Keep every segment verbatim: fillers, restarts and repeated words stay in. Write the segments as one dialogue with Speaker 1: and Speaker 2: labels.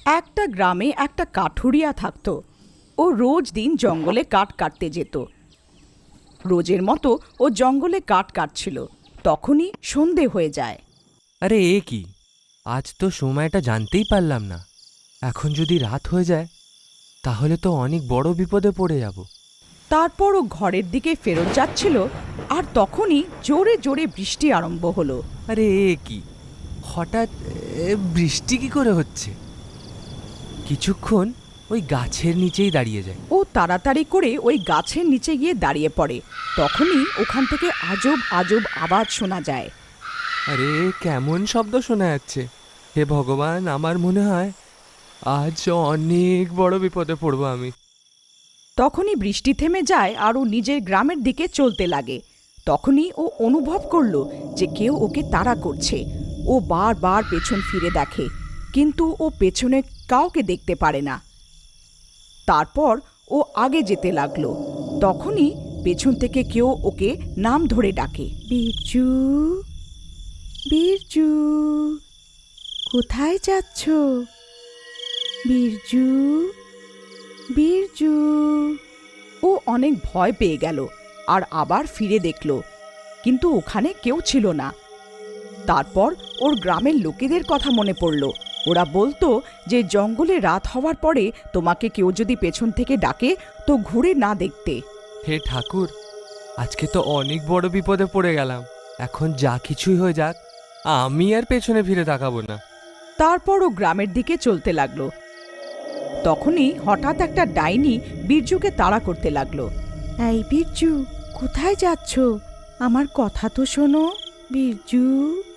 Speaker 1: একটা গ্রামে একটা কাঠুরিয়া থাকতো। ও রোজ দিন জঙ্গলে কাঠ কাটতে যেত। রোজের মতো ও জঙ্গলে কাঠ কাটছিল, তখনই সন্ধে হয়ে যায়।
Speaker 2: আরে এ কি, আজ তো সময়টা জানতেই পারলাম না। এখন যদি রাত হয়ে যায় তাহলে তো অনেক বড় বিপদে পড়ে যাব।
Speaker 1: তারপর ও ঘরের দিকে ফেরত যাচ্ছিল, আর তখনই জোরে জোরে বৃষ্টি আরম্ভ হলো।
Speaker 2: আরে এ কি, হঠাৎ এ, বৃষ্টি কি করে হচ্ছে? কিছুক্ষণ ওই গাছের নিচেই দাঁড়িয়ে যায়।
Speaker 1: ও তাড়াতাড়ি করে ওই গাছের নিচে গিয়ে দাঁড়িয়ে পড়ে। তখনই ওখান থেকে আজব আজব আওয়াজ শোনা যায়।
Speaker 2: আরে কেমন শব্দ শোনা যাচ্ছে! হে ভগবান, আমার মনে হয় আজ অনেক বড় বিপদে পড়বো আমি।
Speaker 1: তখনই বৃষ্টি থেমে যায় আর ও নিজের গ্রামের দিকে চলতে লাগে। তখনই ও অনুভব করলো যে কেউ ওকে তাড়া করছে। ও বারবার পেছন ফিরে দেখে, কিন্তু ও পেছনে কাউকে দেখতে পারে না। তারপর ও আগে যেতে লাগলো। তখনই পেছন থেকে কেউ ওকে নাম ধরে ডাকে, বীরজু, বীরজু, কোথায় যাচ্ছ? বীরজু, বীরজু। ও অনেক ভয় পেয়ে গেল আর আবার ফিরে দেখল, কিন্তু ওখানে কেউ ছিল না। তারপর ওর গ্রামের লোকেদের কথা মনে পড়ল। ওরা বলতো যে জঙ্গলে রাত হওয়ার পরে তোমাকে কেউ যদি পেছন থেকে ডাকে তো ঘুরে না দেখতে।
Speaker 2: হে ঠাকুর, আজকে তো অনেক বড় বিপদে পড়ে গেলাম। এখন যা কিছুই হয়ে যাক, আমি আর পেছনে ফিরে তাকাবো না।
Speaker 1: তারপর ও গ্রামের দিকে চলতে লাগলো। তখনই হঠাৎ একটা ডাইনি বীরজুকে তাড়া করতে লাগলো। এই বীরজু, কোথায় যাচ্ছ? আমার কথা তো শোনো বীরজু।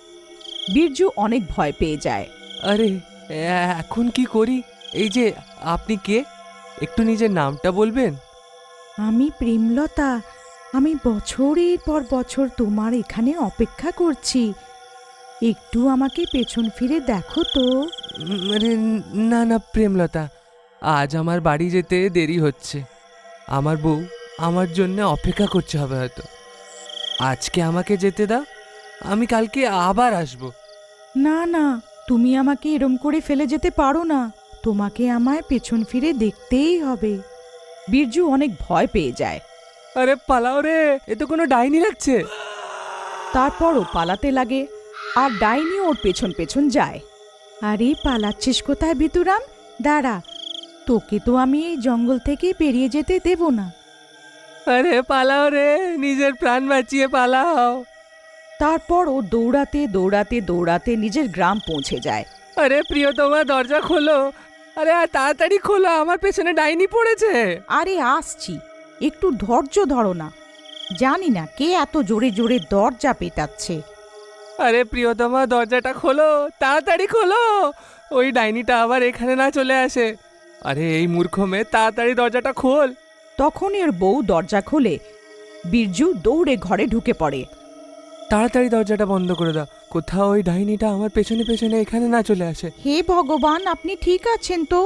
Speaker 1: বীরজু অনেক ভয় পেয়ে যায়।
Speaker 2: আরে এ- এখন কি করি? এই যে, আপনি কে? একটু নিজের নামটা বলবেন?
Speaker 1: আমি প্রেমলতা। আমি বছরের পর বছর তোমার এখানে অপেক্ষা করছি। একটু আমাকে পেছন ফিরে দেখো তো।
Speaker 2: উম, আরে না না প্রেমলতা, আজ আমার বাড়ি যেতে দেরি হচ্ছে। আমার বউ আমার জন্য অপেক্ষা করছে হবে হয়তো। আজকে আমাকে যেতে দাও, আমি কালকে আবার আসবো।
Speaker 1: না না, তুমি আমাকে এরম করে ফেলে যেতে পারো না। তোমাকে আমায় পেছন ফিরে দেখতেই হবে। বীরজু অনেক ভয় পেয়ে যায়।
Speaker 2: আরে পালাও রে, এ তো কোনো ডাইনি লাগছে।
Speaker 1: তারপরও পালাতে লাগে, আর ডাইনি ওর পেছন পেছন যায়। আরে পালাচ্ছিস কোথায় ভিতুরাম? দাঁড়া, তোকে তো আমি এই জঙ্গল থেকে বেরিয়ে যেতে দেব না।
Speaker 2: আরে পালাও রে, নিজের প্রাণ বাঁচিয়ে পালাও।
Speaker 1: তারপর ও দৌড়াতে দৌড়াতে দৌড়াতে নিজের গ্রাম পৌঁছে যায়।
Speaker 2: আরে প্রিয়তমা, দরজা খোলো। আরে আর তাড়াতাড়ি খোলো, আমার পেছনে ডাইনি পড়েছে।
Speaker 1: আরে আসছি, একটু ধৈর্য ধরো না। জানি না কে এত জোরে জোরে দরজা পেটাচ্ছে।
Speaker 2: আরে প্রিয়তমা, দরজাটা খোলো, তাড়াতাড়ি খোলো, ওই ডাইনিটা আবার এখানে না চলে আসে। আরে এই মূর্খ মেয়ে, তাড়াতাড়ি দরজাটা খোল।
Speaker 1: তখন এর বউ দরজা খোলে। বীরজু দৌড়ে ঘরে ঢুকে পড়ে।
Speaker 2: তাড়াতাড়ি দরজাটা বন্ধ করে দাও, কোথাও ওই ডাইনিটা আমার পেছনে পেছনে এখানে না চলে আসে।
Speaker 1: হে ভগবান, আপনি ঠিক আছেন তো?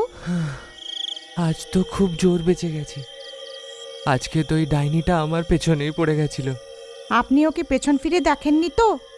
Speaker 2: আজ তো খুব জোর বেঁচে গেছি। আজকে তো ওই ডাইনিটা আমার পেছনেই পড়ে গেছিল।
Speaker 1: আপনি ওকে পেছন ফিরে দেখেননি তো?